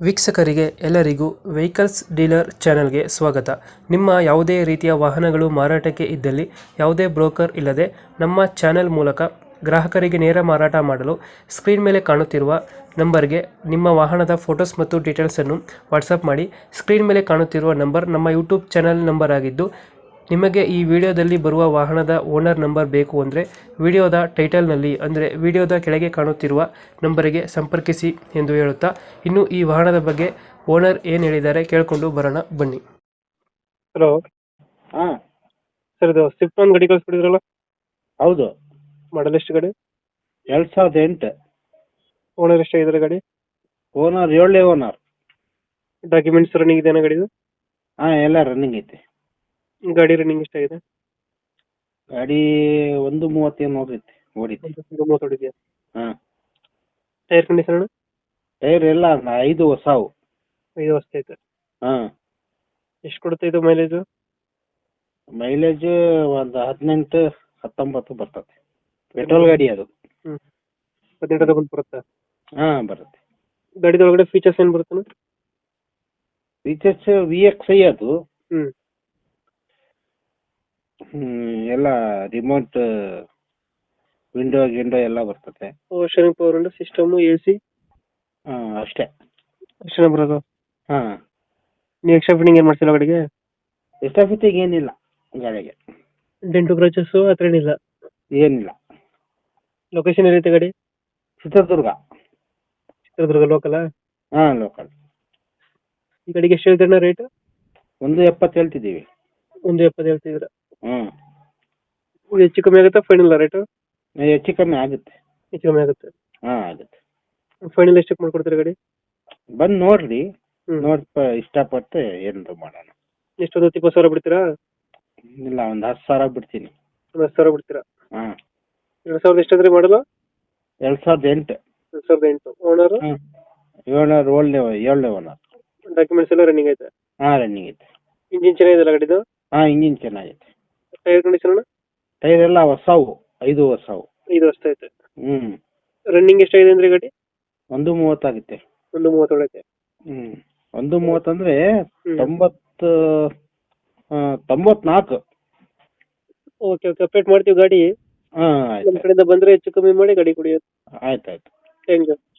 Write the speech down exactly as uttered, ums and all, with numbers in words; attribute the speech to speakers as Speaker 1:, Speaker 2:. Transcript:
Speaker 1: ವೀಕ್ಷಕರಿಗೆ ಎಲ್ಲರಿಗೂ vehicles dealer ಚಾನೆಲ್ಗೆ ಸ್ವಾಗತ. ನಿಮ್ಮ ಯಾವುದೇ ರೀತಿಯ ವಾಹನಗಳು ಮಾರಾಟಕ್ಕೆ ಇದ್ದಲ್ಲಿ ಯಾವುದೇ ಬ್ರೋಕರ್ ಇಲ್ಲದೆ ನಮ್ಮ ಚಾನೆಲ್ ಮೂಲಕ ಗ್ರಾಹಕರಿಗೆ ನೇರ ಮಾರಾಟ ಮಾಡಲು ಸ್ಕ್ರೀನ್ ಮೇಲೆ ಕಾಣುತ್ತಿರುವ ನಂಬರ್ಗೆ ನಿಮ್ಮ ವಾಹನದ ಫೋಟೋಸ್ ಮತ್ತು ಡೀಟೇಲ್ಸನ್ನು ವಾಟ್ಸಪ್ ಮಾಡಿ. ಸ್ಕ್ರೀನ್ ಮೇಲೆ ಕಾಣುತ್ತಿರುವ ನಂಬರ್ ನಮ್ಮ ಯೂಟ್ಯೂಬ್ ಚಾನೆಲ್ ನಂಬರ್ ಆಗಿದ್ದು, ನಿಮಗೆ ಈ ವಿಡಿಯೋದಲ್ಲಿ ಬರುವ ವಾಹನದ ಓನರ್ ನಂಬರ್ ಬೇಕು ಅಂದರೆ ವಿಡಿಯೋದ ಟೈಟಲ್ನಲ್ಲಿ ಅಂದರೆ ವಿಡಿಯೋದ ಕೆಳಗೆ ಕಾಣುತ್ತಿರುವ ನಂಬರಿಗೆ ಸಂಪರ್ಕಿಸಿ ಎಂದು ಹೇಳುತ್ತಾ, ಇನ್ನು ಈ ವಾಹನದ ಬಗ್ಗೆ ಓನರ್ ಏನು ಹೇಳಿದ್ದಾರೆ ಕೇಳಿಕೊಂಡು ಬರೋಣ ಬನ್ನಿ. ಹಲೋ
Speaker 2: ಹಾ
Speaker 1: ಸರ್, ಇದು ಸ್ವಿಫ್ಟ್ ಒಂದು ಗಾಡಿ ಕಳಿಸ್ಬಿಟ್ಟಿದ್ರಲ್ಲ,
Speaker 2: ಹೌದು.
Speaker 1: ಮಾಡಲ್ ಎಷ್ಟು ಗಾಡಿ?
Speaker 2: ಎರಡ್ ಸಾವಿರದ ಎಂಟು.
Speaker 1: ಓನರ್ ಎಷ್ಟಾಗಿದ್ದಾರೆ ಗಾಡಿ?
Speaker 2: ಓನರ್ ಏಳನೇ ಓನರ್.
Speaker 1: ಡಾಕ್ಯುಮೆಂಟ್ಸ್ ರನ್ನಿಂಗ್ ಇದೆಯಾ ಗಾಡಿದು?
Speaker 2: ಹಾ ಎಲ್ಲ ರನ್ನಿಂಗ್ ಐತಿ.
Speaker 1: ಗಾಡಿ ರನ್ನಿಂಗ್ ಎಷ್ಟಾಗಿದೆ?
Speaker 2: ಗಾಡಿ ಒಂದು ಮೂವತ್ತೇನು ಹೋಗೈತಿ, ಓಡಿತಿ.
Speaker 1: ಒಂದು ಮೂವತ್ತು ಹೊಡಿದೆಯಾ?
Speaker 2: ಹಾ
Speaker 1: ಟೈರ್ ಕಂಡೀಷನ್?
Speaker 2: ಟೈರ್ ಎಲ್ಲ ಐದು ಹೊಸವು.
Speaker 1: ಐದು ವರ್ಷ ಐತೆ.
Speaker 2: ಹಾ
Speaker 1: ಎಷ್ಟು ಕೊಡುತ್ತೆ ಇದು ಮೈಲೇಜು?
Speaker 2: ಮೈಲೇಜ್ ಒಂದು ಹದಿನೆಂಟು ಹತ್ತೊಂಬತ್ತು ಬರ್ತದೆ. ಪೆಟ್ರೋಲ್ ಗಾಡಿ ಅದು.
Speaker 1: ಹ್ಞೂ ಹದಿನೆಂಟು ಬಂದು ಬರುತ್ತಾ?
Speaker 2: ಹಾ ಬರುತ್ತೆ.
Speaker 1: ಗಾಡಿದೊಳಗಡೆ ಫೀಚರ್ಸ್ ಏನು ಬರುತ್ತೆ?
Speaker 2: ಫೀಚರ್ಸ್ ವಿ ಎಕ್ಸ್ ಐ ಅದು.
Speaker 1: ಹ್ಞೂ
Speaker 2: ಹ್ಮ್ ಎಲ್ಲ ರಿಮೋಟ್ ವಿಂಡೋ ಗಿಂಡೋ ಎಲ್ಲ ಬರ್ತದೆ.
Speaker 1: ವಾಷರಿಂಗ್ ಪವರ್ ಉಂಟು, ಸಿಸ್ಟಮು, ಎ ಸಿ
Speaker 2: ಹಾ ಅಷ್ಟೇ.
Speaker 1: ಅಷ್ಟೇ ಬರೋದು?
Speaker 2: ಹಾ
Speaker 1: ನೀವು ಎಕ್ಸ್ಟ್ರಾ ಫಿಟ್ಟಿಂಗ್ ಏನು ಮಾಡ್ಸಿಲ್ಲ ಗಾಡಿಗೆ?
Speaker 2: ಎಕ್ಸ್ಟ್ರಾ ಫಿಟ್ಟಿಂಗ್ ಏನಿಲ್ಲ ಗಾಡಿಗೆ.
Speaker 1: ಡೆಂಟು ಕ್ರಚಸ್ಸು ಆ ಥರ ಏನಿಲ್ಲ?
Speaker 2: ಏನಿಲ್ಲ.
Speaker 1: ಲೊಕೇಶನ್ ಏನೈತೆ ಗಾಡಿ?
Speaker 2: ಚಿತ್ರದುರ್ಗ.
Speaker 1: ಚಿತ್ರದುರ್ಗ ಲೋಕಲಾ?
Speaker 2: ಹಾ ಲೋಕಲ್.
Speaker 1: ಈ ಗಾಡಿಗೆ ಎಷ್ಟು ಹೇಳ್ತೀರಣ್ಣ ರೇಟ್?
Speaker 2: ಒಂದು ಎಪ್ಪತ್ತು ಹೇಳ್ತಿದ್ದೀವಿ.
Speaker 1: ಒಂದು ಎಪ್ಪತ್ತು ಹೇಳ್ತಿದ್ದೀರಾ?
Speaker 2: ಹ್ಮ್
Speaker 1: ಇದು ಹೆಚ್ಚು ಕಮ್ಮಿ ಆಗುತ್ತಾ ಫೈನಲ್ ರೇಟು?
Speaker 2: ಹೆಚ್ಚು ಕಮ್ಮಿ ಆಗುತ್ತೆ.
Speaker 1: ಹೆಚ್ಚು ಕಮ್ಮಿ ಆಗುತ್ತೆ.
Speaker 2: ಹಾ ಆಗುತ್ತೆ.
Speaker 1: ಫೈನಲ್ ಎಷ್ಟಕ್ಕೆ ಮಾಡ್ಕೊಡ್ತೀರಾ ಗಾಡಿ?
Speaker 2: ಬಂದು ನೋಡ್ರಿ,
Speaker 1: ಹ್ಞೂ
Speaker 2: ನೋಡಿ ಇಷ್ಟಪಟ್ಟು ಏನಾದ್ರು ಮಾಡೋಣ.
Speaker 1: ಎಷ್ಟೊಂದು ಹತ್ತು ಇಪ್ಪತ್ತು ಸಾವಿರ ಬಿಡ್ತೀರಾ?
Speaker 2: ಇಲ್ಲ ಒಂದು ಹತ್ತು ಸಾವಿರ ಬಿಡ್ತೀನಿ.
Speaker 1: ಒಂದು ಹತ್ತು ಸಾವಿರ ಬಿಡ್ತೀರಾ?
Speaker 2: ಹಾ
Speaker 1: ಎರಡು ಸಾವಿರದ ಎಷ್ಟಾದ್ರೆ ಮಾಡಲ್ಲ?
Speaker 2: ಎರಡು ಸಾವಿರದ ಎಂಟು.
Speaker 1: ಎರಡು ಸಾವಿರದ ಎಂಟು. ಓನರು?
Speaker 2: ಹ್ಮ್ ಏಳ್ನೂರು ಏಳನೇ ಏಳನೇ ಓನರ್.
Speaker 1: ಡಾಕ್ಯುಮೆಂಟ್ಸ್ ಎಲ್ಲ ರನ್ನಿಂಗ್ ಐತೆ?
Speaker 2: ಹಾ ರನ್ನಿಂಗ್ ಐತೆ.
Speaker 1: ಇಂಜಿನ್ ಚೆನ್ನಾಗಿದೆಯಲ್ಲ ಗಾಡಿದು?
Speaker 2: ಹಾ ಇಂಜಿನ್ ಚೆನ್ನಾಗೈತೆ.
Speaker 1: Tyre condition?
Speaker 2: ಟೈರ್ ಎಲ್ಲ ಹೊಸವು, ಐದು ಹೊಸವು.
Speaker 1: ಐದು ವರ್ಷ ಐತೆ.
Speaker 2: ಹ್ಮ್
Speaker 1: ರನ್ನಿಂಗ್ ಎಷ್ಟಾಗಿದೆ ಅಂದ್ರೆ ಗಾಡಿ?
Speaker 2: ಒಂದು ಮೂವತ್ತಾಗುತ್ತೆ.
Speaker 1: ಒಂದು ಮೂವತ್ತೇಳು ಐತೆ.
Speaker 2: ಹ್ಮ್ ಒಂದು ಮೂವತ್ತಂದ್ರೆ
Speaker 1: ಹ್ಞೂ
Speaker 2: ತೊಂಬತ್ತು ತೊಂಬತ್ನಾಲ್ಕು.
Speaker 1: ಓಕೆ ಓಕೆ, ಅಪ್ಡೇಟ್ ಮಾಡ್ತೀವಿ ಗಾಡಿ.
Speaker 2: ಹಾ
Speaker 1: ನಮ್ಮ
Speaker 2: ಆಯ್ತು
Speaker 1: ಕಡೆಯಿಂದ ಬಂದರೆ ಹೆಚ್ಚು ಕಮ್ಮಿ ಮಾಡಿ ಗಾಡಿ ಕೊಡಿ.
Speaker 2: ಆಯ್ತು ಆಯ್ತು.
Speaker 1: Thank you.